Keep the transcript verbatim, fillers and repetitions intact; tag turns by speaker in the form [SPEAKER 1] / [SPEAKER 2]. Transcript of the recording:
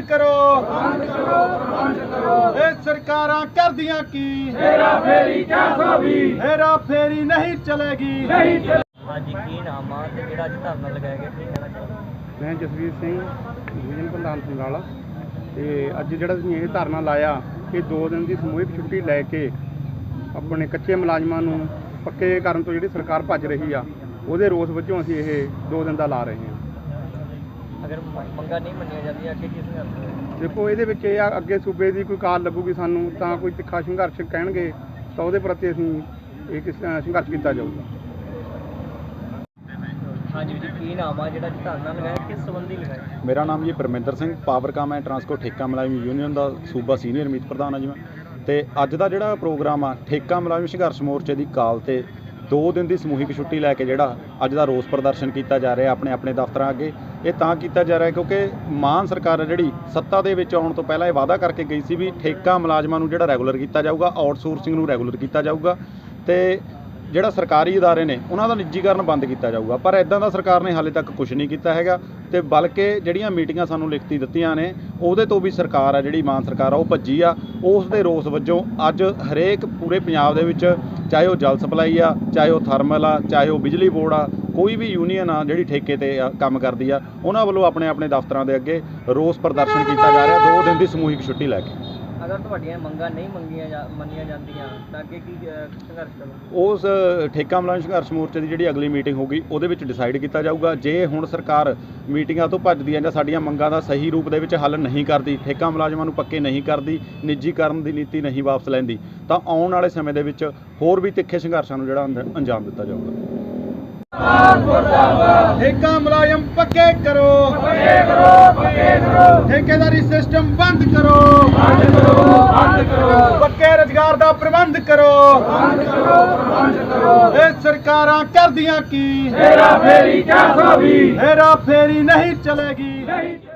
[SPEAKER 1] करो ये सरकारां करदियां की हेरा फेरी हेरा फेरी नहीं चलेगी।
[SPEAKER 2] हाँ जी, की नाम आ ते किहड़ा अज धरना लगाया गया, की कहना चाहोगे?
[SPEAKER 3] मैं जसवीर सिंह डिवीजन प्रधान संगाला ਤੇ ਅੱਜ ਜਿਹੜਾ ਅਸੀਂ ਇਹ ਧਰਨਾ ਲਾਇਆ ਕਿ ਦੋ ਦਿਨ ਦੀ ਸਮੂਹਿਕ ਛੁੱਟੀ ਲੈ ਕੇ ਆਪਣੇ ਕੱਚੇ ਮੁਲਾਜ਼ਮਾਂ ਨੂੰ ਪੱਕੇ ਕਰਨ ਤੋਂ ਜਿਹੜੀ ਸਰਕਾਰ ਭੱਜ ਰਹੀ ਆ ਉਹਦੇ ਰੋਸ ਵਜੋਂ ਅਸੀਂ ਇਹ ਦੋ ਦਿਨ ਦਾ ਲਾ ਰਹੇ ਹਾਂ।
[SPEAKER 2] अगर मंगा नहीं मनिया जाती अगे की संघर्ष
[SPEAKER 3] ਦੇਖੋ ਇਹਦੇ ਵਿੱਚ ਇਹ ਆ ਅੱਗੇ ਸੂਬੇ ਦੀ ਕੋਈ ਕਾਲ ਲੱਗੂਗੀ ਸਾਨੂੰ ਤਾਂ ਕੋਈ ਤਿੱਖਾ ਸੰਘਰਸ਼ ਕਹਿਣਗੇ ਤਾਂ ਉਹਦੇ ਪ੍ਰਤੀ ਅਸੀਂ ਇਹ ਕਿਸ ਸੰਘਰਸ਼ ਕੀਤਾ ਜਾਊਗਾ।
[SPEAKER 2] हाँ जी जी, की नाम आ ਜਿਹੜਾ ਧਰਨਾ ਲਗਾਇਆ, ਕਿਸ ਸੰਬੰਧੀ ਲਗਾਇਆ?
[SPEAKER 4] ਮੇਰਾ ਨਾਮ ਜੀ ਪਰਮਿੰਦਰ ਸਿੰਘ, ਪਾਵਰਕਾਮ ਐਂਡ ਟਰਾਂਸਪੋਰਟ ਠੇਕਾ ਮੁਲਾਜ਼ਮ ਯੂਨੀਅਨ ਦਾ ਸੂਬਾ ਸੀਨੀਅਰ ਮੀਤ ਪ੍ਰਧਾਨ ਆ ਜੀ ਮੈਂ। ਤੇ ਅੱਜ ਦਾ ਜਿਹੜਾ ਪ੍ਰੋਗਰਾਮ ਆ ਠੇਕਾ ਮੁਲਾਜ਼ਮ ਸੰਘਰਸ਼ ਮੋਰਚੇ ਦੀ ਕਾਲ ਤੇ ਦੋ ਦਿਨ ਦੀ ਸਮੂਹਿਕ ਛੁੱਟੀ ਲੈ ਕੇ ਜਿਹੜਾ ਅੱਜ ਦਾ ਰੋਸ ਪ੍ਰਦਰਸ਼ਨ ਕੀਤਾ ਜਾ ਰਿਹਾ ਆਪਣੇ ਆਪਣੇ ਦਫ਼ਤਰਾਂ ਅੱਗੇ। ਇਹ ਤਾਂ ਕੀਤਾ ਜਾ ਰਿਹਾ ਕਿਉਂਕਿ ਮਾਨ ਸਰਕਾਰ ਜਿਹੜੀ ਸੱਤਾ ਦੇ ਵਿੱਚ ਆਉਣ ਤੋਂ ਪਹਿਲਾਂ ਇਹ ਵਾਅਦਾ ਕਰਕੇ ਗਈ ਸੀ ਵੀ ਠੇਕਾ ਮੁਲਾਜ਼ਮਾਂ ਨੂੰ ਜਿਹੜਾ ਰੈਗੂਲਰ ਕੀਤਾ ਜਾਊਗਾ, ਆਊਟਸੋਰਸਿੰਗ ਨੂੰ ਰੈਗੂਲਰ ਕੀਤਾ ਜਾਊਗਾ ਤੇ ਜਿਹੜਾ ਸਰਕਾਰੀ ਅਦਾਰੇ ਨੇ ਉਹਨਾਂ ਦਾ ਨਿੱਜੀਕਰਨ ਬੰਦ ਕੀਤਾ ਜਾਊਗਾ। ਪਰ ਇਦਾਂ ਦਾ ਸਰਕਾਰ ਨੇ ਹਾਲੇ ਤੱਕ ਕੁਝ ਨਹੀਂ ਕੀਤਾ ਹੈਗਾ ਤੇ ਬਲਕਿ ਜਿਹੜੀਆਂ ਮੀਟਿੰਗਾਂ ਸਾਨੂੰ ਲਿਖਤੀ ਦਿੱਤੀਆਂ ਨੇ ਉਹਦੇ ਤੋਂ ਵੀ ਸਰਕਾਰ ਆ ਜਿਹੜੀ ਮਾਨ ਸਰਕਾਰ ਆ ਉਹ ਭੱਜੀ ਆ। ਉਸ ਦੇ ਰੋਸ ਵਜੋਂ ਅੱਜ ਹਰੇਕ ਪੂਰੇ ਪੰਜਾਬ ਦੇ ਵਿੱਚ ਚਾਹੇ ਉਹ ਜਲ ਸਪਲਾਈ ਆ, ਚਾਹੇ ਉਹ ਥਰਮਲ ਆ, ਚਾਹੇ ਉਹ ਬਿਜਲੀ ਬੋਰਡ ਆ, ਕੋਈ ਵੀ ਯੂਨੀਅਨ ਆ ਜਿਹੜੀ ਠੇਕੇ ਤੇ ਕੰਮ ਕਰਦੀ ਆ, ਉਹਨਾਂ ਵੱਲੋਂ ਆਪਣੇ ਆਪਣੇ ਦਫ਼ਤਰਾਂ ਦੇ ਅੱਗੇ ਰੋਸ ਪ੍ਰਦਰਸ਼ਨ ਕੀਤਾ ਜਾ ਰਿਹਾ ਦੋ ਦਿਨ ਦੀ ਸਮੂਹਿਕ ਛੁੱਟੀ ਲੈ ਕੇ।
[SPEAKER 2] ਅਗਰ ਤੁਹਾਡੀਆਂ ਮੰਗਾਂ ਨਹੀਂ ਮੰਗੀਆਂ ਜਾ ਮੰਨੀਆਂ ਜਾਂਦੀਆਂ ਤਾਂ ਅੱਗੇ ਕੀ ਸੰਘਰਸ਼ ਕਰੋਗੇ?
[SPEAKER 4] ਉਸ ਠੇਕਾ ਮੁਲਾਜ਼ਮ ਸੰਘਰਸ਼ ਮੋਰਚੇ ਦੀ ਜਿਹੜੀ ਅਗਲੀ ਮੀਟਿੰਗ ਹੋਊਗੀ ਉਹਦੇ ਵਿੱਚ ਡਿਸਾਈਡ ਕੀਤਾ ਜਾਊਗਾ। ਜੇ ਹੁਣ ਸਰਕਾਰ ਮੀਟਿੰਗਾਂ ਤੋਂ ਭੱਜਦੀ ਹੈ ਜਾਂ ਸਾਡੀਆਂ ਮੰਗਾਂ ਦਾ ਸਹੀ ਰੂਪ ਦੇ ਵਿੱਚ ਹੱਲ ਨਹੀਂ ਕਰਦੀ, ਠੇਕਾ ਮੁਲਾਜ਼ਮਾਂ ਨੂੰ ਪੱਕੇ ਨਹੀਂ ਕਰਦੀ, ਨਿੱਜੀਕਰਨ ਦੀ ਨੀਤੀ ਨਹੀਂ ਵਾਪਸ ਲੈਂਦੀ, ਤਾਂ ਆਉਣ ਵਾਲੇ ਸਮੇਂ ਦੇ ਵਿੱਚ ਹੋਰ ਵੀ ਤਿੱਖੇ ਸੰਘਰਸ਼ਾਂ ਨੂੰ ਜਿਹੜਾ ਅੰਦ- ਅੰਜਾਮ ਦਿੱਤਾ ਜਾਊਗਾ।
[SPEAKER 1] ठेका मुलायम पक्के करो पक्के करो पक्के करो ठेकेदारी सिस्टम बंद करो बंद करो बंद करो पक्के रोजगार दा प्रबंध करो बंद करो बंद करो ये सरकारां करदियां की हेरा फेरी चार सौ बीस हेरा फेरी नहीं चलेगी।